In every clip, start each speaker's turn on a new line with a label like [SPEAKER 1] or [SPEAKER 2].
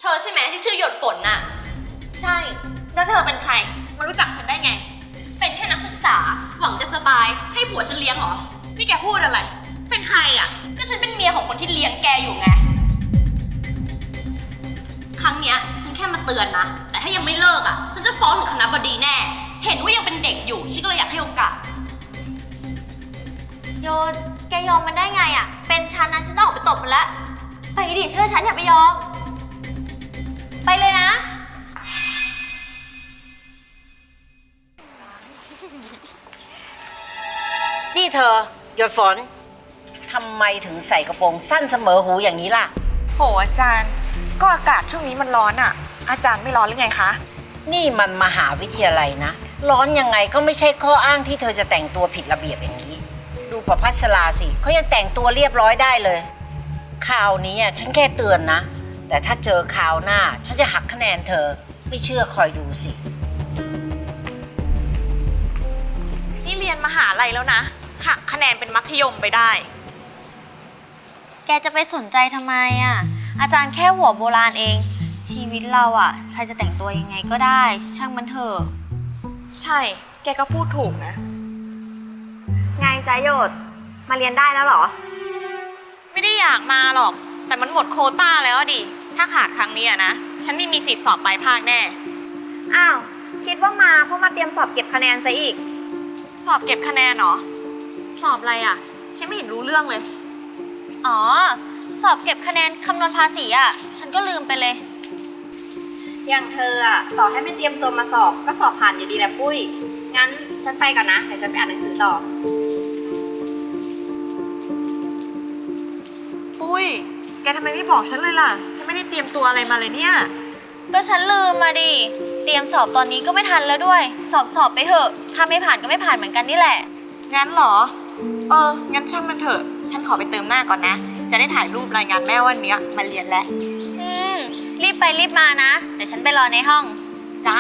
[SPEAKER 1] ธอใช่ไหมที่ชื่อหยดฝนน่ะ
[SPEAKER 2] ใช่แล้วเธอเป็นใครมารู้จักฉันได้ไง
[SPEAKER 1] เป็นแค่นักศึกษาหวังจะสบายให้ผัวฉันเลี้ยงเหรอ
[SPEAKER 2] นี่แกพูดอะไรเป็นใครอ่ะ
[SPEAKER 1] ก็ฉันเป็นเมียของคนที่เลี้ยงแกอยู่ไงครั้งเนี้ยฉันแค่มาเตือนนะแต่ถ้ายังไม่เลิกอ่ะฉันจะฟ้องถึงคณบดีแน่เห็นว่ายังเป็นเด็กอยู่ฉันก็เลยอยากให้โอกาส
[SPEAKER 3] โยนแกยอมมันได้ไงอ่ะเป็นฉันนะฉันต้องออกไปตบมันแล้วไปดิเชื่อฉันอย่าไปยอมไปเลยนะ
[SPEAKER 4] นี่เธอหยดฝนทำไมถึงใส่กระโปรงสั้นเสมอหูอย่างนี้ล่ะ
[SPEAKER 2] โหอาจารย์ก็อากาศช่วงนี้มันร้อนอ่ะอาจารย์ไม่ร้อนหรือไงคะ
[SPEAKER 4] นี่มันมหาวิทยาลัยนะร้อนยังไงก็ไม่ใช่ข้ออ้างที่เธอจะแต่งตัวผิดระเบียบอย่างนี้ดูประภัสราสิเขายังแต่งตัวเรียบร้อยได้เลยคราวนี้ฉันแค่เตือนนะแต่ถ้าเจอคราวหน้าฉันจะหักคะแนนเธอไม่เชื่อคอยดูสิ
[SPEAKER 2] นี่เรียนมหาลัยแล้วนะหักคะแนนเป็นมัธยมไปได้
[SPEAKER 3] แกจะไปสนใจทำไมอ่ะอาจารย์แค่หัวโบราณเองชีวิตเราอ่ะใครจะแต่งตัวยังไงก็ได้ช่างมันเถอะ
[SPEAKER 2] ใช่แกก็พูดถูกนะ
[SPEAKER 3] ไงจ๊ะโยดมาเรียนได้แล้วเหรอ
[SPEAKER 2] ไม่ได้อยากมาหรอกแต่มันหมดโควต้าแล้วดิถ้าขาดครั้งนี้นะฉันไม่มีสิทธิ์สอบปลายภาคแน่
[SPEAKER 3] อ้าวคิดว่ามาเพราะมาเตรียมสอบเก็บคะแนนซะอีก
[SPEAKER 2] สอบเก็บคะแนนเหรอสอบอะไรอ่ะฉันไม่เห็นรู้เรื่องเลย
[SPEAKER 3] อ๋อสอบเก็บคะแนนคำนวณภาษีอ่ะฉันก็ลืมไปเลย
[SPEAKER 1] อย่างเธออ่ะต่อให้ไม่เตรียมตัวมาสอบก็สอบผ่านอยู่ดีแหละปุ้ยงั้นฉันไปก่อนนะเดี๋ยวฉันไปอ่านหนังสือต่อ
[SPEAKER 2] ปุ้ยแกทำไมไม่บอกฉันเลยล่ะฉันไม่ได้เตรียมตัวอะไรมาเลยเนี่ย
[SPEAKER 3] ก็ฉันลืมมาดิเตรียมสอบตอนนี้ก็ไม่ทันแล้วด้วยสอบไปเถอะถ้าไม่ผ่านก็ไม่ผ่านเหมือนกันนี่แหละ
[SPEAKER 2] งั้นเหรองั้นช่างมันเถอะฉันขอไปเติมหน้าก่อนนะจะได้ถ่ายรูปรายงานแม่วันนี้มาเรียนแล้ว
[SPEAKER 3] รีบไปรีบมานะเดี๋ยวฉันไปรอในห้อง
[SPEAKER 2] จ้า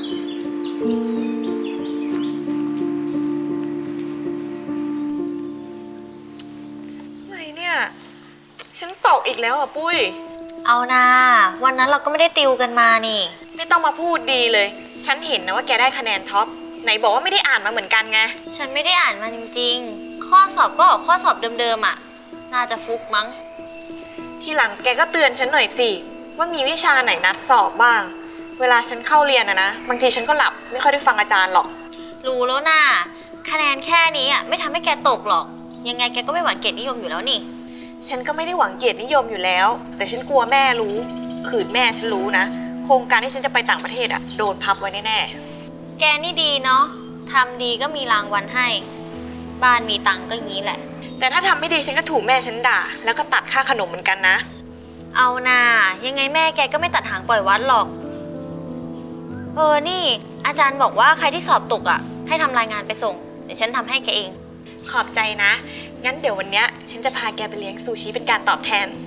[SPEAKER 2] อะไรเนี่ยฉันตกอีกแล้วอ่ะปุ้ย
[SPEAKER 3] เอานะวันนั้นเราก็ไม่ได้ติวกันมานี่
[SPEAKER 2] ไม่ต้องมาพูดดีเลยฉันเห็นนะว่าแกได้คะแนนท็อปไหนบอกว่าไม่ได้อ่านมาเหมือนกันไง
[SPEAKER 3] ฉันไม่ได้อ่านมาจริงๆข้อสอบก็ออกข้อสอบเดิมๆอ่ะน่าจะฟุกมั้ง
[SPEAKER 2] ทีหลังแกก็เตือนฉันหน่อยสิว่ามีวิชาไหนนัดสอบบ้างเวลาฉันเข้าเรียนนะบางทีฉันก็หลับไม่ค่อยได้ฟังอาจารย์หรอก
[SPEAKER 3] รู้แล้วน่ะคะแนนแค่นี้อ่ะไม่ทำให้แกตกหรอกยังไงแกก็ไม่หวังเกียรตินิยมอยู่แล้วนี่
[SPEAKER 2] ฉันก็ไม่ได้หวังเกียรตินิยมอยู่แล้วแต่ฉันกลัวแม่รู้ขืนแม่ฉันรู้นะโครงการที่ฉันจะไปต่างประเทศอ่ะโดนพับไว้แน่
[SPEAKER 3] ๆแกนี่ดีเนาะทำดีก็มีรางวัลให้บ้านมีตังก็อย่างนี้แหละ
[SPEAKER 2] แต่ถ้าทำไม่ดีฉันก็ถูกแม่ฉันด่าแล้วก็ตัดค่าขนมเหมือนกันนะ
[SPEAKER 3] เอาน่ายังไงแม่แกก็ไม่ตัดหางปล่อยวัดหรอกนี่อาจารย์บอกว่าใครที่สอบตกอ่ะให้ทำรายงานไปส่งเดี๋ยวฉันทำให้แกเอง
[SPEAKER 2] ขอบใจนะงั้นเดี๋ยววันนี้ฉันจะพาแกไปเลี้ยงซูชิเป็นการตอบแทน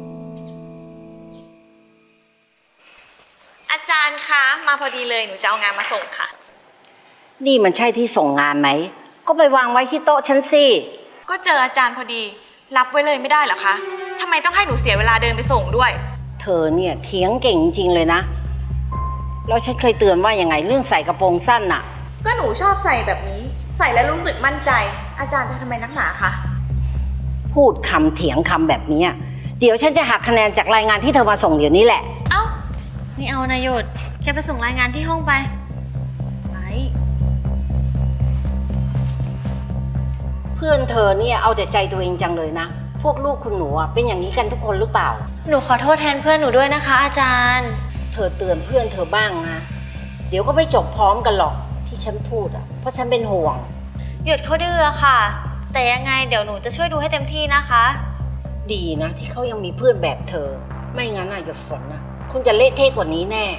[SPEAKER 2] อาจารย์คะมาพอดีเลยหนูจะเอางานมาส่งค่ะ
[SPEAKER 4] นี่มันใช่ที่ส่งงานไหมก็ไปวางไว้ที่โต๊ะฉันสิ
[SPEAKER 2] ก็เจออาจารย์พอดีรับไว้เลยไม่ได้เหรอคะทำไมต้องให้หนูเสียเวลาเดินไปส่งด้วย
[SPEAKER 4] เธอเนี่ยเถียงเก่งจริงเลยนะแล้วฉันเคยเตือนว่ายังไงเรื่องใส่กระโปรงสั้นน่ะ
[SPEAKER 2] ก็หนูชอบใส่แบบนี้ใส่แล้วรู้สึกมั่นใจอาจารย์ทำไมนักหนาคะ
[SPEAKER 4] พูดคำเถียงคำแบบนี้เดี๋ยวฉันจะหักคะแนนจากรายงานที่เธอมาส่งเดี๋ยวนี้แหละ
[SPEAKER 3] เอ้าไม่เอานะโยดแกไปส่งรายงานที่ห้องไป
[SPEAKER 4] เพื่อนเธอเนี่ยเอาแต่ใจตัวเองจังเลยนะพวกลูกคุณหนูเป็นอย่างนี้กันทุกคนหรือเปล่า
[SPEAKER 3] หนูขอโทษแทนเพื่อนหนูด้วยนะคะอาจารย์
[SPEAKER 4] เธอเตือนเพื่อนเธอบ้างนะเดี๋ยวก็ไม่จบพร้อมกันหรอกที่ฉันพูดเพราะฉันเป็นห่วง
[SPEAKER 3] หยุดเขาดื้อค่ะแต่ยังไงเดี๋ยวหนูจะช่วยดูให้เต็มที่นะคะ
[SPEAKER 4] ดีนะที่เขายังมีเพื่อนแบบเธอไม่งั้นหยดฝนคงจะเละเทะกว่านี้แน่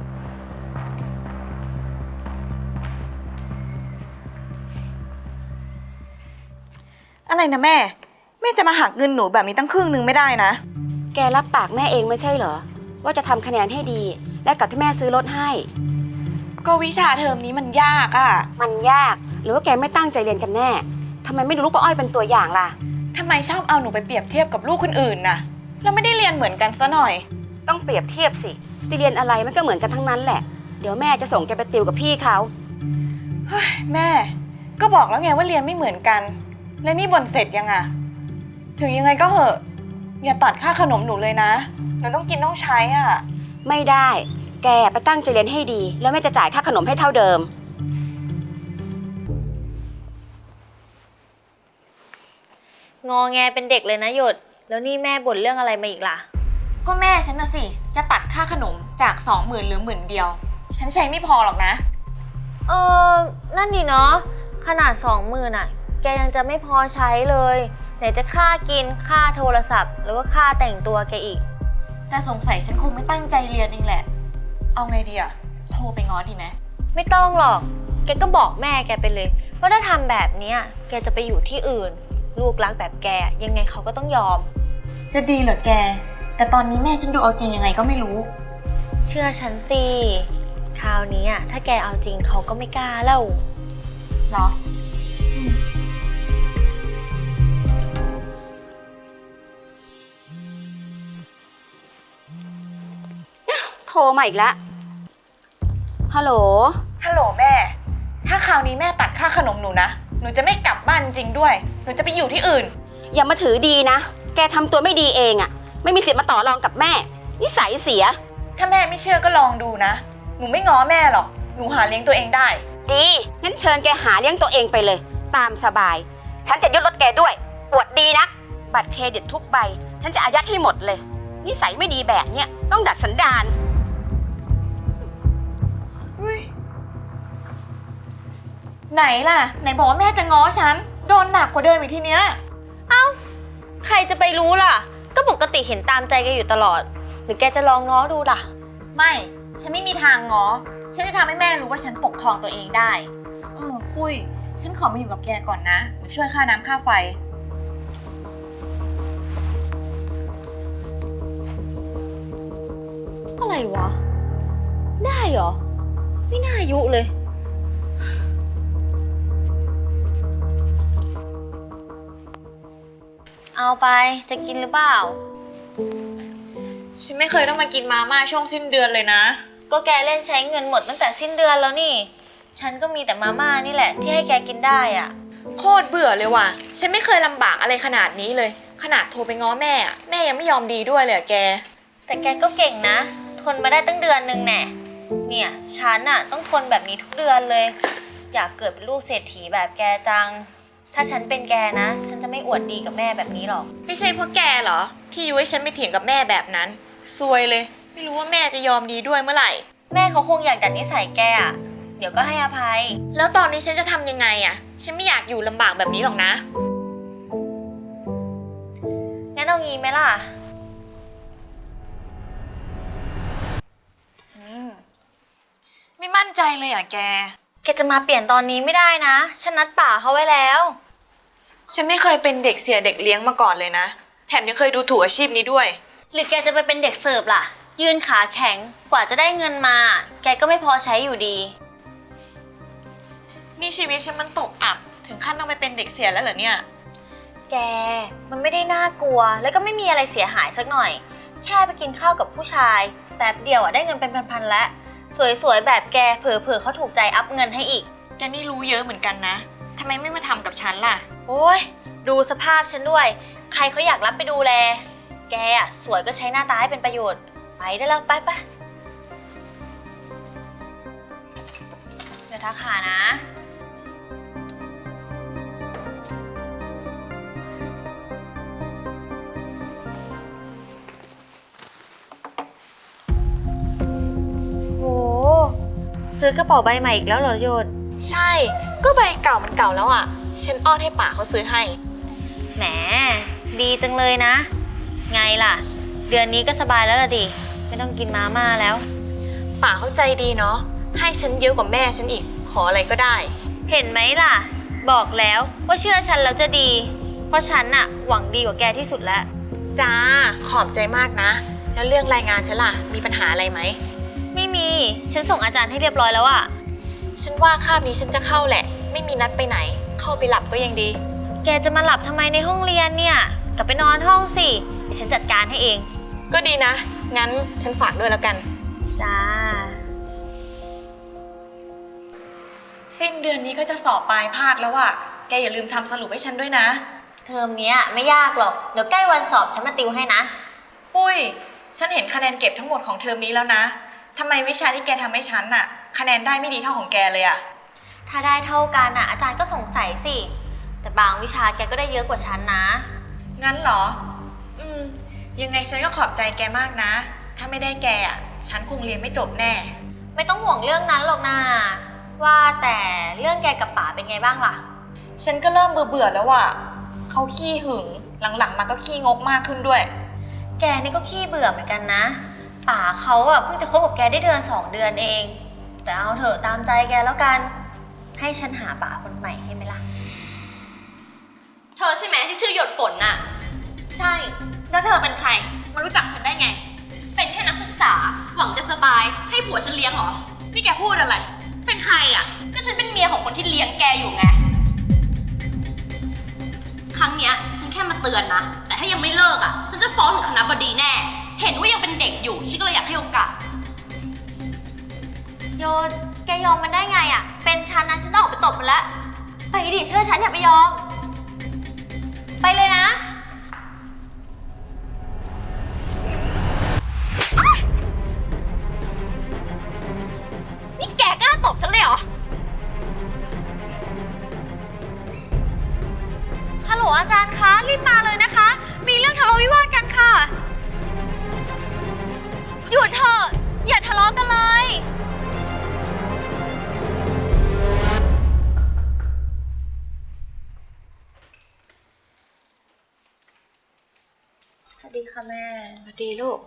[SPEAKER 2] อะไรนะแม่จะมาหักเงินหนูแบบนี้ตั้งครึ่งนึงไม่ได้นะ
[SPEAKER 5] แกรับปากแม่เองไม่ใช่เหรอว่าจะทำคะแนนให้ดีและกับที่แม่ซื้อรถให้
[SPEAKER 2] ก็วิชาเทอมนี้มันยาก
[SPEAKER 5] มันยากหรือว่าแกไม่ตั้งใจเรียนกันแน่ทำไมไม่ดูลูกป้าอ้อยเป็นตัวอย่างล่ะ
[SPEAKER 2] ทำไมชอบเอาหนูไปเปรียบเทียบกับลูกคนอื่นน่ะแล้วไม่ได้เรียนเหมือนกันซะหน่อย
[SPEAKER 5] ต้องเปรียบเทียบสิจะเรียนอะไรมันก็เหมือนกันทั้งนั้นแหละ เดี๋ยวแม่จะส่งแกไปติวกับพี่เขา
[SPEAKER 2] เฮ้ยแม่ ก็บอกแล้วไงว่าเรียนไม่เหมือนกัน แล้วนี่บ่นเสร็จยังอะถึงยังไงก็เหอะอย่าตัดค่าขนมหนูเลยนะหนูต้องกินต้องใช้อะ
[SPEAKER 5] ไม่ได้ แกไปตั้งใจเรียนให้ดี แล้วแม่จะจ่ายค่าขนมให้เท่าเดิม
[SPEAKER 3] งอแงเป็นเด็กเลยนะหยด แล้วนี่แม่บ่นเรื่องอะไรมาอีกล่ะ
[SPEAKER 2] ก็แม่ฉันน่ะสิจะตัดค่าขนมจาก 20,000เหลือ10,000เดียวฉันใช้ไม่พอหรอกนะ
[SPEAKER 3] นั่นดีเนาะขนาด 20,000อ่ะ แกยังจะไม่พอใช้เลยไหนจะค่ากินค่าโทรศัพท์หรือว่าค่าแต่งตัวแกอีก
[SPEAKER 2] แต่สงสัยฉันคงไม่ตั้งใจเรียนเองแหละ เอาไงดีอะโทรไปง้อดีไหม
[SPEAKER 3] ไม่ต้องหรอก แกก็บอกแม่แกไปเลยว่าถ้าทำแบบเนี้ยแกจะไปอยู่ที่อื่น ลูกรักแบบแกยังไงเขาก็ต้องยอม
[SPEAKER 2] จะดีเหรอแก แต่ตอนนี้แม่ฉันดูเอาจริงยังไงก็ไม่รู้
[SPEAKER 3] เชื่อฉันสิคราวนี้อ่ะถ้าแกเอาจริงเขาก็ไม่กล้าแล้ว
[SPEAKER 2] เหรอ
[SPEAKER 5] โทรมาอีกแล้วฮัลโหล
[SPEAKER 2] ฮัลโหลแม่ ถ้าคราวนี้แม่ตัดค่าขนมหนูนะ หนูจะไม่กลับบ้านจริงด้วย หนูจะไปอยู่ที่อื่น
[SPEAKER 5] อย่ามาถือดีนะ แกทำตัวไม่ดีเองอะไม่มีสิทธิ์มาต่อรองกับแม่ นิสัยเสีย
[SPEAKER 2] ถ้าแม่ไม่เชื่อก็ลองดูนะ หนูไม่ง้อแม่หรอก หนูหาเลี้ยงตัวเองได้
[SPEAKER 5] ดี งั้นเชิญแกหาเลี้ยงตัวเองไปเลย ตามสบาย ฉันจะยึดรถแกด้วย ปวดดีนะบัตรเครดิตทุกใบ ฉันจะอายัดให้หมดเลย นิสัยไม่ดีแบบเนี้ยต้องดัดสันดาน
[SPEAKER 2] ไหนล่ะ ไหนบอกว่าแม่จะง้อฉัน โดนหนักกว่าเดิมอีกทีเนี้ย
[SPEAKER 3] ใครจะไปรู้ล่ะ ก็ปกติเห็นตามใจแกอยู่ตลอด หรือแกจะลองง้อดูล่ะ
[SPEAKER 2] ไม่ ฉันไม่มีทางง้อ ฉันจะทำให้แม่รู้ว่าฉันปกครองตัวเองได้ ปุ้ย ฉันขอมาอยู่กับแกก่อนนะเดี๋ยวช่วยค่าน้ำค่าไฟ
[SPEAKER 3] อะไรวะ ได้เหรอ ไม่น่าอายุเลย เอาไปจะกินหรือเปล่า
[SPEAKER 2] ฉันไม่เคยต้องมากินมาม่าช่วงสิ้นเดือนเลยนะ
[SPEAKER 3] ก็แกเล่นใช้เงินหมดตั้งแต่สิ้นเดือนแล้วนี่ ฉันก็มีแต่มาม่านี่แหละที่ให้แกกินได้อ่ะ
[SPEAKER 2] โคตรเบื่อเลยว่ะ ฉันไม่เคยลำบากอะไรขนาดนี้เลย ขนาดโทรไปง้อแม่อะแม่ยังไม่ยอมดีด้วยเลยอะแก
[SPEAKER 3] แต่แกก็เก่งนะ ทนมาได้ตั้งเดือนนึงแน่เนี่ยฉันน่ะต้องทนแบบนี้ทุกเดือนเลย อยากเกิดเป็นลูกเศรษฐีแบบแกจัง ถ้าฉันเป็นแกนะ ฉันจะไม่อวดดีกับแม่แบบนี้หรอก
[SPEAKER 2] ไม่ใช่เพราะแกเหรอ ที่ยุให้ฉันไปเถียงกับแม่แบบนั้น ซวยเลย ไม่รู้ว่าแม่จะยอมดีด้วยเมื่อไหร่
[SPEAKER 3] แม่เขาคงอยากดัดนิสัยแกอ่ะ เดี๋ยวก็ให้อภัย
[SPEAKER 2] แล้วตอนนี้ฉันจะทำยังไงอะฉันไม่อยากอยู่ลำบากแบบนี้หรอกนะ
[SPEAKER 3] งั้นเอางี้ไหมล่ะ
[SPEAKER 2] ไม่มั่นใจเลยอะแก
[SPEAKER 3] แกจะมาเปลี่ยนตอนนี้ไม่ได้นะ ฉันนัดป่าเขาไว้แล้ว
[SPEAKER 2] ฉันไม่เคยเป็นเด็กเสียเด็กเลี้ยงมาก่อนเลยนะ แถมยังเคยดูถูกอาชีพนี้ด้วย
[SPEAKER 3] หรือแกจะไปเป็นเด็กเสิร์ฟล่ะ ยืนขาแข็ง กว่าจะได้เงินมา แกก็ไม่พอใช้อยู่ดี
[SPEAKER 2] นี่ชีวิตฉันมันตกอับ ถึงขั้นต้องไปเป็นเด็กเสียแล้วเหรอเนี่ย
[SPEAKER 3] แก มันไม่ได้น่ากลัว แล้วก็ไม่มีอะไรเสียหายสักหน่อย แค่ไปกินข้าวกับผู้ชายแป๊บเดียวได้เงินเป็นพันๆแล้ว สวยๆแบบแกเผลอๆเขาถูกใจอัพเงินให้อีก
[SPEAKER 2] แกนี่รู้เยอะเหมือนกันนะ ทำไมไม่มาทำกับฉันล่ะ
[SPEAKER 3] โอ้ยดูสภาพฉันด้วย ใครเขาอยากรับไปดูแล แกอะสวยก็ใช้หน้าตาให้เป็นประโยชน์ ไปได้แล้วไปเดี๋ยวทักหานะ โห ซื้อกระเป๋าใบใหม่อีกแล้วเหรอโยน
[SPEAKER 2] ใช่ ก็ใบเก่ามันเก่าแล้วอ่ะ ฉันอ้อนให้ป่าเขาซื้อให้
[SPEAKER 3] แหม ดีจังเลยนะ ไงล่ะ เดือนนี้ก็สบายแล้วล่ะดิ ไม่ต้องกินมาม่าแล้ว
[SPEAKER 2] ป่าเขาใจดีเนาะ ให้ฉันเยอะกว่าแม่ฉันอีก ขออะไรก็ได้
[SPEAKER 3] เห็นไหมล่ะ บอกแล้วว่าเชื่อฉันแล้วจะดี เพราะฉันน่ะหวังดีกว่าแกที่สุดแล้ว
[SPEAKER 2] จ้า ขอบใจมากนะ แล้วเรื่องรายงานฉันล่ะ มีปัญหาอะไรไหม
[SPEAKER 3] ไม่มี ฉันส่งอาจารย์ให้เรียบร้อยแล้วอะ
[SPEAKER 2] ฉันว่าคาบนี้ฉันจะเข้าแหละ ไม่มีนัดไปไหน เข้าไปหลับก็ยังดี
[SPEAKER 3] แกจะมาหลับทำไมในห้องเรียนเนี่ย กลับไปนอนห้องสิเดี๋ยวฉันจัดการให้เอง
[SPEAKER 2] ก็ดีนะงั้นฉันฝากด้วยแล้วกัน
[SPEAKER 3] จ้า
[SPEAKER 2] สิ้นเดือนนี้ก็จะสอบปลายภาคแล้วอะแกอย่าลืมทำสรุปให้ฉันด้วยนะ
[SPEAKER 3] เทอมเนี้ยไม่ยากหรอก เดี๋ยวใกล้วันสอบฉันมาติวให้นะ
[SPEAKER 2] ปุ้ย ฉันเห็นคะแนนเก็บทั้งหมดของเทอมนี้แล้วนะทำไมวิชาที่แกทำให้ฉันอะคะแนนได้ไม่ดีเท่าของแกเลยอะ
[SPEAKER 3] ถ้าได้เท่ากันอ่ะอาจารย์ก็สงสัยสิ แต่บางวิชาแกก็ได้เยอะกว่าฉันนะ
[SPEAKER 2] งั้นเหรอ ยังไงฉันก็ขอบใจแกมากนะ ถ้าไม่ได้แกอะฉันคงเรียนไม่จบแน่
[SPEAKER 3] ไม่ต้องห่วงเรื่องนั้นหรอกนะว่าแต่เรื่องแกกับป๋าเป็นไงบ้างล่ะ
[SPEAKER 2] ฉันก็เริ่มเบื่อแล้วอะเขาขี้หึง หลังๆมาก็ขี้งกมากขึ้นด้วย
[SPEAKER 3] แกนี่ก็ขี้เบื่อเหมือนกันนะ ป๋าเขาอ่ะเพิ่งจะคบกับแกได้เดือน2 เดือนเอง แต่เอาเถอะตามใจแกแล้วกัน ให้ฉันหาป๋าคนใหม่ให้ไหมล่ะ
[SPEAKER 1] เธอใช่ไหมที่ชื่อหยดฝนน่ะ
[SPEAKER 3] ใช่ แล้วเธอเป็นใคร มารู้จักฉันได้ไง
[SPEAKER 1] เป็นแค่นักศึกษา หวังจะสบาย ให้ผัวฉันเลี้ยงเหรอ
[SPEAKER 2] นี่แกพูดอะไร
[SPEAKER 1] เป็นใครอ่ะ ก็ฉันเป็นเมียของคนที่เลี้ยงแกอยู่ไง ครั้งเนี้ยฉันแค่มาเตือนนะ แต่ถ้ายังไม่เลิกอ่ะ ฉันจะฟ้องถึงคณบดีแน่ เห็นว่ายังเป็นเด็กอยู่ ฉันก็เลยอยากให้โอกาส
[SPEAKER 3] โยน แกยอมมันได้ไงอ่ะ เป็นฉันนะฉันจะออกไปตบมันแล้ว ไปดิเชื่อฉันอย่าไปยอม ไปเลยนะ
[SPEAKER 1] นี่แกกล้าตบฉันเลยเหรอ
[SPEAKER 3] ฮัลโหลอาจารย์คะรีบมาเลยนะคะ มีเรื่องทะเลาะวิวาทกันค่ะ หยุดเถอะอย่าทะเลาะกันเลย สวัสดีค่ะแม่
[SPEAKER 5] สวัสดีลูก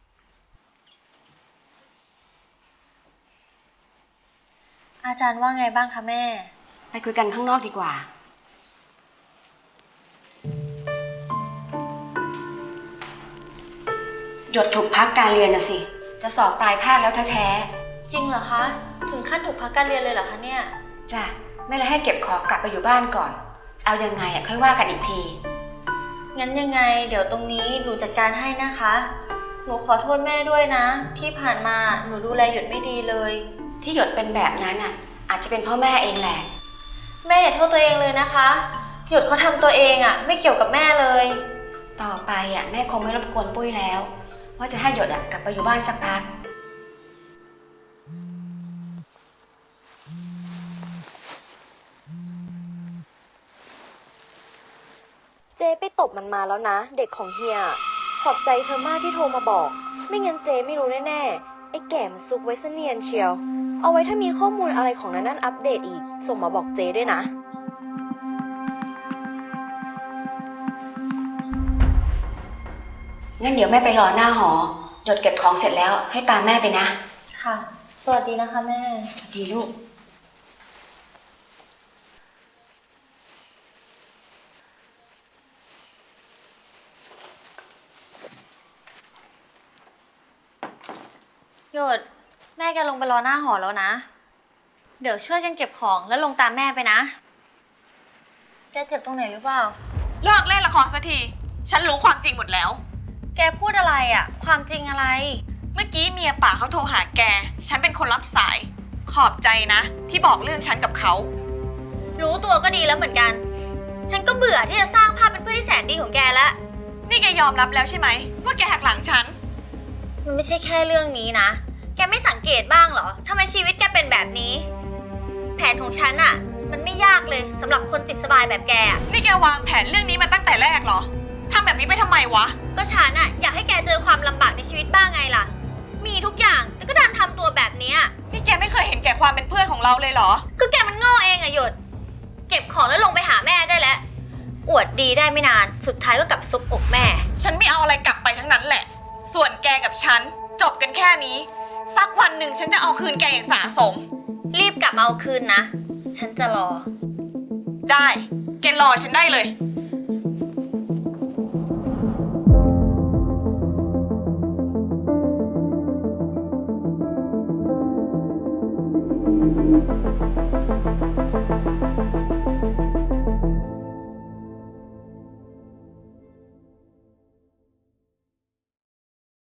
[SPEAKER 3] อาจารย์ว่าไงบ้างคะแม่
[SPEAKER 5] ไปคุยกันข้างนอกดีกว่า หยดถูกพักการเรียนน่ะสิ จะสอบปลายภาคแล้วแท้
[SPEAKER 3] จริงเหรอคะ ถึงขั้นถูกพักการเรียนเลยเหรอคะเนี่ย
[SPEAKER 5] ๆจ้ะแม่เลยให้เก็บของกลับไปอยู่บ้านก่อนจะเอายังไงค่อยว่ากันอีกที
[SPEAKER 3] งั้นยังไงเดี๋ยวตรงนี้หนูจัดการให้นะคะ หนูขอโทษแม่ด้วยนะ ที่ผ่านมาหนูดูแลหยดไม่ดีเลย
[SPEAKER 5] ที่หยดเป็นแบบนั้นอ่ะ อาจจะเป็นเพราะแม่เองแหละ
[SPEAKER 3] แม่อย่าโทษตัวเองเลยนะคะ หยดเขาทำตัวเองอะไม่เกี่ยวกับแม่เลย
[SPEAKER 5] ต่อไปอ่ะแม่คงไม่รบกวนปุ้ยแล้ว ว่าจะให้หยดอ่ะกลับไปอยู่บ้านสักพัก
[SPEAKER 6] เจ๊ไปตบมันมาแล้วนะ เด็กของเฮีย ขอบใจเธอมากที่โทรมาบอก ไม่งั้นเจ๊ไม่รู้แน่ๆไอ้แก่มันซุกไว้เสเนียนเชียว เอาไว้ถ้ามีข้อมูลอะไรของนั่นอัปเดตอีก ส่งมาบอกเจ๊ด้วยนะ
[SPEAKER 5] งั้นเดี๋ยวแม่ไปรอหน้าหอ หยดเก็บของเสร็จแล้วให้ตามแม่ไปนะ
[SPEAKER 3] ค่ะ สวัสดีนะคะแม่
[SPEAKER 5] สวัสดีลูก
[SPEAKER 3] หยดแม่แกลงไปรอหน้าหอแล้วนะ เดี๋ยวช่วยกันเก็บของแล้วลงตามแม่ไปนะ แกเจ็บตรงไหนหรือเปล่า
[SPEAKER 2] เลิกเล่นละครสักที ฉันรู้ความจริงหมดแล้ว
[SPEAKER 3] แกพูดอะไรอะความจริงอะไร
[SPEAKER 2] เมื่อกี้เมียป่าเขาโทรหาแก ฉันเป็นคนรับสาย ขอบใจนะ ที่บอกเรื่องฉันกับเขา
[SPEAKER 3] รู้ตัวก็ดีแล้วเหมือนกัน ฉันก็เบื่อที่จะสร้างภาพเป็นเพื่อนที่แสนดีของแกแล้ว
[SPEAKER 2] นี่แกยอมรับแล้วใช่ไหมว่าแกหักหลังฉัน
[SPEAKER 3] มันไม่ใช่แค่เรื่องนี้นะ แกไม่สังเกตบ้างเหรอทำไมชีวิตแกเป็นแบบนี้ แผนของฉันอะมันไม่ยากเลยสำหรับคนติดสบายแบบแกอะ
[SPEAKER 2] นี่แกวางแผนเรื่องนี้มาตั้งแต่แรกเหรอทำแบบนี้ไปทำไมวะ
[SPEAKER 3] ก็ฉันอะอยากให้แกเจอความลำบากในชีวิตบ้างไงล่ะ มีทุกอย่างแต่ก็ดันทำตัวแบบเนี้ย
[SPEAKER 2] นี่แกไม่เคยเห็นแก่ความเป็นเพื่อนของเราเลยเหรอ
[SPEAKER 3] ก็แกมันโง่เองอะหยด เก็บของแล้วลงไปหาแม่ได้แล้ว อวดดีได้ไม่นาน สุดท้ายก็กลับซุบอกแม่
[SPEAKER 2] ฉันไม่เอาอะไรกลับไปทั้งนั้นแหละ ส่วนแกกับฉันจบกันแค่นี้ สักวันหนึ่งฉันจะเอาคืนแกอย่างสาสม
[SPEAKER 3] รีบกลับมาเอาคืนนะ ฉันจะรอ
[SPEAKER 2] ได้ แกรอฉันได้เลย